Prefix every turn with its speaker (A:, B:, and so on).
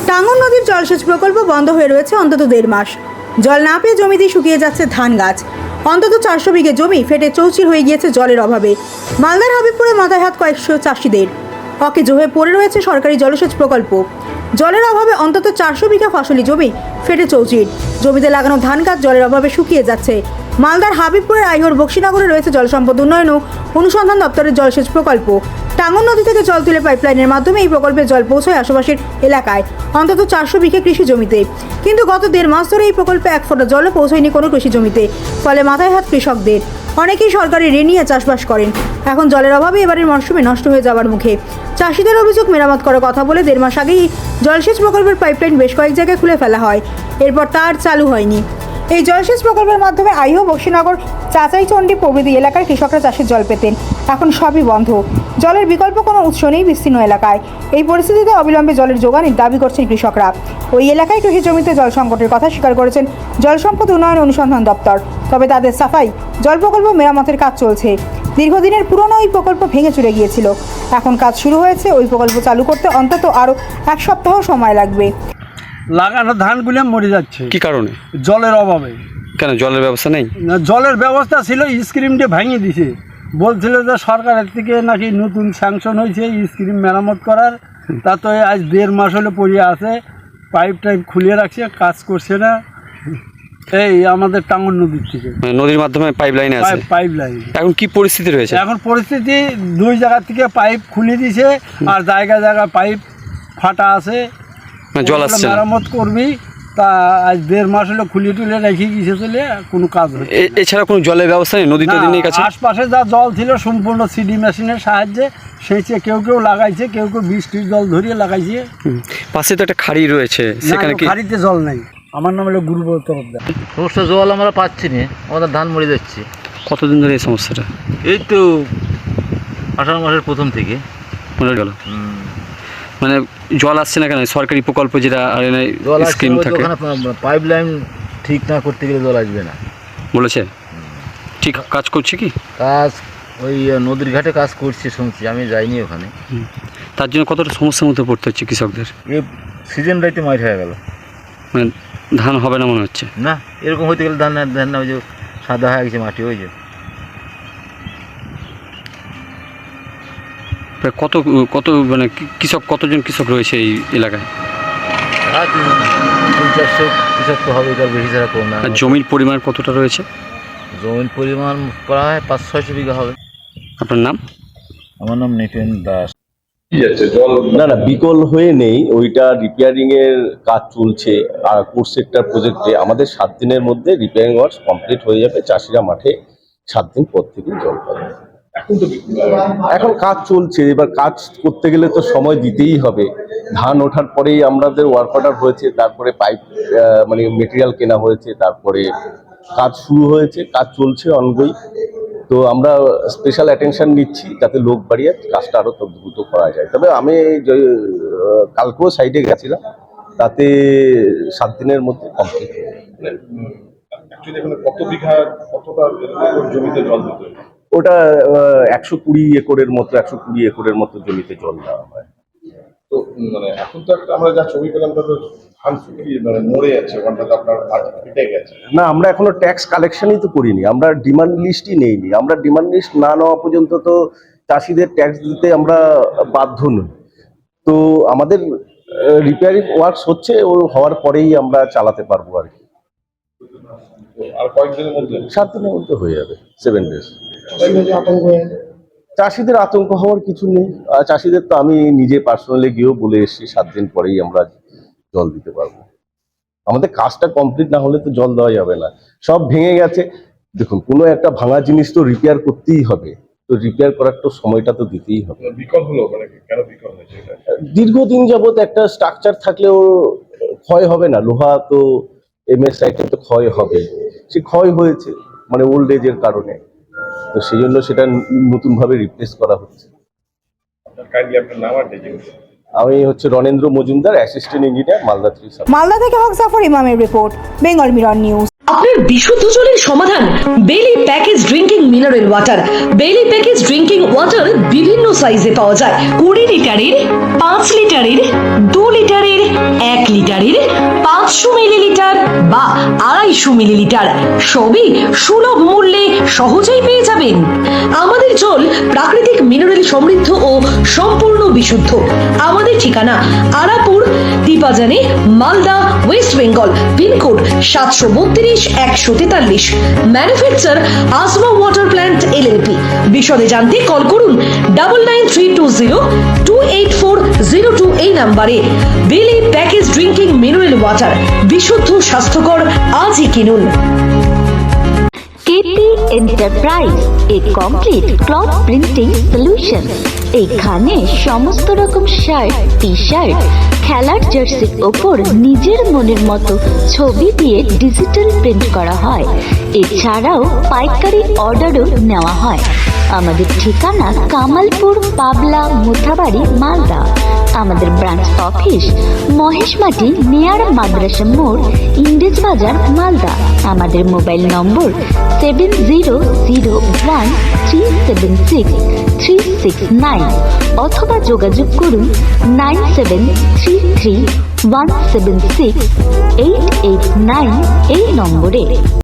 A: টাঙ্গন নদীর জলসেচ প্রকল্প বন্ধ হয়ে রয়েছে অন্তত 1.5 মাস। জল না পেয়ে জমিতে শুকিয়ে যাচ্ছে ধান গাছ। অন্তত 400 বিঘে জমি ফেটে চৌচির হয়ে গিয়েছে জলের অভাবে। মালদার হাবিবপুরে মাথায় হাত কয়েকশো চাষিদের। অকেজো হয়ে পড়ে রয়েছে সরকারি জলসেচ প্রকল্প। জলের অভাবে অন্তত 400 বিঘা ফসলি জমি ফেটে চৌচির। জমিতে লাগানো ধান গাছ জলের অভাবে শুকিয়ে যাচ্ছে। মালদার হাবিবপুরের আইহর বক্সিনগরে রয়েছে জল সম্পদ উন্নয়ন ও অনুসন্ধান দপ্তরের জলসেচ প্রকল্প। টাঙ্গন নদী থেকে জল তুলে পাইপলাইনের মাধ্যমে এই প্রকল্পে জল পৌঁছয় আশেপাশের এলাকায় অন্তত 400 বিঘা কৃষি জমিতে। কিন্তু গত 1.5 মাস ধরে এই প্রকল্পে 1 ফোঁটা জলও পৌঁছয়নি কোনো কৃষি জমিতে। ফলে মাথায় হাত কৃষকদের। অনেকেই সরকারি ঋণ নিয়ে চাষবাস করেন। এখন জলের অভাবে এবারের মরশুমে নষ্ট হয়ে যাওয়ার মুখে। চাষিদের অভিযোগ, মেরামত করার কথা বলে 1.5 মাস আগেই জলসেচ প্রকল্পের পাইপলাইন বেশ কয়েক জায়গায় খুলে ফেলা হয়। এরপর তা আর চালু হয়নি। এই জলসেচ প্রকল্পের মাধ্যমে আইহো, বক্সিনগর, চাচাইচন্ডী প্রভৃতি এলাকার কৃষকরা চাষের জল পেতেন। এখন সবই বন্ধ। জলের বিকল্প কোনো উৎস নেই বিস্তীর্ণ এলাকায়। এই পরিস্থিতিতে অবিলম্বে জলের যোগানের দাবি করছেন কৃষকরা। ওই এলাকায় কৃষি জমিতে জল সংকটের কথা স্বীকার করেছেন জল সম্পদ উন্নয়ন অনুসন্ধান দপ্তর। তবে তাদের সাফাই, জল প্রকল্প মেরামতের কাজ চলছে। দীর্ঘদিনের পুরনো ওই প্রকল্প ভেঙে চুরে গিয়েছিল। এখন কাজ শুরু হয়েছে। ওই প্রকল্প চালু করতে অন্তত আরও 1 সপ্তাহ সময় লাগবে।
B: লাগানো ধানগুলো মরে যাচ্ছে।
C: কি কারণে?
B: জলের অভাবে।
C: কেন জলের ব্যবস্থা নেই?
B: না, জলের ব্যবস্থা ছিল, স্ক্রিমটা ভেঙে দিছে। বলছিল যে সরকারের থেকে নাকি নতুন স্যাংশন হয়েছে স্ক্রিম মেরামত করার। তা তো আজ 1.5 মাস হলে পড়ে আছে, পাইপ টাইপ খুলে রাখছে, কাজ করছে না। এই আমাদের টাঙ্গন নদীর থেকে,
C: নদীর মাধ্যমে পাইপ লাইনে আছে।
B: পাইপ লাইন
C: এখন কি পরিস্থিতি রয়েছে?
B: এখন পরিস্থিতি 2 জায়গা থেকে পাইপ খুলে দিছে, আর জায়গায় জায়গায় পাইপ ফাটা আছে।
C: জল আসছে না।
B: মেরামত করবি, তা আজ 1.5 মাস হলো খুলে টুলে রেখে গিয়েছে, চলে কোনো কাজ হচ্ছে।
C: এছাড়া কোনো জলের ব্যবস্থা নেই? নদী টদী নেই কাছে?
B: আশপাশে যা জল ছিল সম্পূর্ণ সিডি মেশিনের সাহায্যে সেচে কেউ কেউ লাগাইছে, কেউ কেউ বৃষ্টির জল ধরিয়ে লাগাইছে।
C: পাশে তো একটা খাড়ি রয়েছে, সেখানে কি?
B: খাড়িতে জল নেই। আমার নাম হলো গুরুব্রত তরফদার।
D: সমস্যা জল আমরা পাচ্ছি না, আমাদের ধান মরে যাচ্ছে।
C: কতদিন ধরে এই সমস্যাটা?
D: এই তো 18 মাসের প্রথম থেকে
C: মরে গেল। মানে জল আসছে না কেন? সরকারি প্রকল্প যেটা
D: জল
C: স্কিম থাকে,
D: পাইপ লাইন ঠিক না করতে গেলে জল আসবে না বলেছে।
C: ঠিক কাজ করছে কি?
D: কাজ ওই নদীর ঘাটে কাজ করছে শুনছি, আমি যাইনি ওখানে।
C: তার জন্য কতটা সমস্যার মধ্যে পড়তে হচ্ছে কৃষকদের?
D: এই সিজন রাইতে মাইট হয়ে গেল,
C: মানে ধান হবে না মনে হচ্ছে।
D: না এরকম হইতে গেলে ধান না, ওই যে সাদা হয়ে গেছে মাটি, ওই যে
C: প্রায় কত মানে কৃষক, কতজন কৃষক রয়েছে এই এলাকায়?
D: 300-400 কৃষক তো হবে, তার বেশি ছাড়া কম না।
C: আর জমির পরিমাণ কতটা রয়েছে?
D: জমির পরিমাণ প্রায় 500-600 বিঘা হবে।
C: আপনার নাম?
D: আমার নাম নিপেন দাস।
E: না না, বিকল হয়ে নেই, ওইটা রিপেয়ারিং এর কাজ চলছে। আর কোর সেক্টর প্রজেক্টে আমাদের 7 দিনের মধ্যে রিপেয়ারিং ওয়ার্কস কমপ্লিট হয়ে যাবে। চাষিরা মাঠে 7 দিন পর থেকেই জল পাবে। এখন কাজ চলছে, এবার কাজ করতে গেলে তো সময় দিতেই হবে। ধান ওঠার পরেই আমাদের ওয়ার্ক অর্ডার হয়েছে, তারপরে পাইপ মানে মেটেরিয়াল কেনা হয়েছে, তারপরে কাজ শুরু হয়েছে, কাজ চলছে অনগোয়িং। তো আমরা স্পেশাল অ্যাটেনশন নিচ্ছি যাতে লোক বাড়িয়ে কাজটা আরো দ্রুত করা যায়। তবে আমি কালকেও সাইডে গেছিলাম, তাতে 7 দিনের মধ্যে কমপ্লিট হয়ে যাবে। ওটা 120 একরের মতো, 120 একরের মতো জমিতে জল দেওয়া হয়।
F: তো মানে এখন তো একটা আমরা যা ছবি পেলাম, তাতে ধান শুকিয়ে মানে মরে যাচ্ছে, ওখানটাতে আপনার ফেটে গেছে।
E: না, আমরা এখনো ট্যাক্স কালেকশনই তো করিনি, আমরা ডিমান্ড লিস্টই নেইনি। আমরা ডিমান্ড লিস্ট না নেওয়া পর্যন্ত তো চাষিদের ট্যাক্স দিতে আমরা বাধ্য নই। তো আমাদের রিপেয়ারিং ওয়ার্কস হচ্ছে, ও হওয়ার পরেই আমরা চালাতে পারবো আর কি।
F: আর কয়েকদিনের মধ্যে,
E: 7 দিনের মধ্যে হয়ে যাবে, 7 ডেজ। চাষিদের আতঙ্ক হওয়ার কিছু নেই। চাষিদের তো আমি নিজে পার্সোনালি গিয়েও বলে এসেছি 7 দিন পরেই আমরা জল দিতে পারবো। আমাদের কাজটা কমপ্লিট না হলে তো জল দেওয়া যাবে না। সব ভেঙে গেছে। দেখুন, কোনো একটা ভাঙা জিনিস তো রিপেয়ার করতেই হবে, তো রিপেয়ার করার তো সময়টা তো দিতেই হবে।
F: বিকল হলো মানে কেন বিকল হয়েছে?
E: দীর্ঘদিন যাবত একটা স্ট্রাকচার থাকলেও ক্ষয় হবে না। লোহা তো এমএসআই তো ক্ষয় হবে, সে ক্ষয় হয়েছে মানে ওল্ড এজের কারণে। তো সেই জন্য সেটা নতুন ভাবে রিপ্লেস করা হচ্ছে। আমি হচ্ছে রণেন্দ্র মজুমদার, অ্যাসিস্ট্যান্ট ইঞ্জিনিয়ার, মালদা 3।
A: মালদা থেকে হক জাফর ইমামের রিপোর্ট, বেঙ্গল মিরর নিউজ।
G: আপনার বিশুদ্ধ জলের সমাধান Bailley package drinking mineral water. Bailley package drinking water বিভিন্ন সাইজে পাওয়া যায়। 20 লিটারের, 5 লিটারের, 2 লিটারের, 1 250 মিলিলিটার, সবই সুলভ মূল্যে সহজেই পেয়ে যাবেন। আমাদের জল প্রাকৃতিক মিনারেল সমৃদ্ধ ও সম্পূর্ণ বিশুদ্ধ। আমাদের ঠিকানা Arapur, Dipajani, Malda, West Bengal. Pin code 732-143। Manufacture Asma water plant LLP. বিশদে জানতে কল করুন 9932028402 এই নাম্বারে। বেলি প্যাকেজ ড্রিঙ্কিং মিনারেল ওয়াটার, বিশুদ্ধ স্বাস্থ্যকর, আজই কিনুন।
H: KT enterprise, a complete cloth printing solution. এখানে সমস্ত রকম শার্ট, টি শার্ট, খেলার জার্সির ওপর নিজের মনের মতো ছবি দিয়ে ডিজিটাল প্রিন্ট করা হয়। এছাড়াও পাইকারি অর্ডারও নেওয়া হয়। আমাদের ঠিকানা কামালপুর, পাবলা, মোথাবাড়ি, মালদা। আমাদের ব্রাঞ্চ অফিস মহেশমাটি নিয়ার মাদ্রাসা মোড়, ইংরেজ বাজার, মালদা। আমাদের মোবাইল নম্বর 7001376369 অথবা যোগাযোগ করুন 9733176889 এই নম্বরে।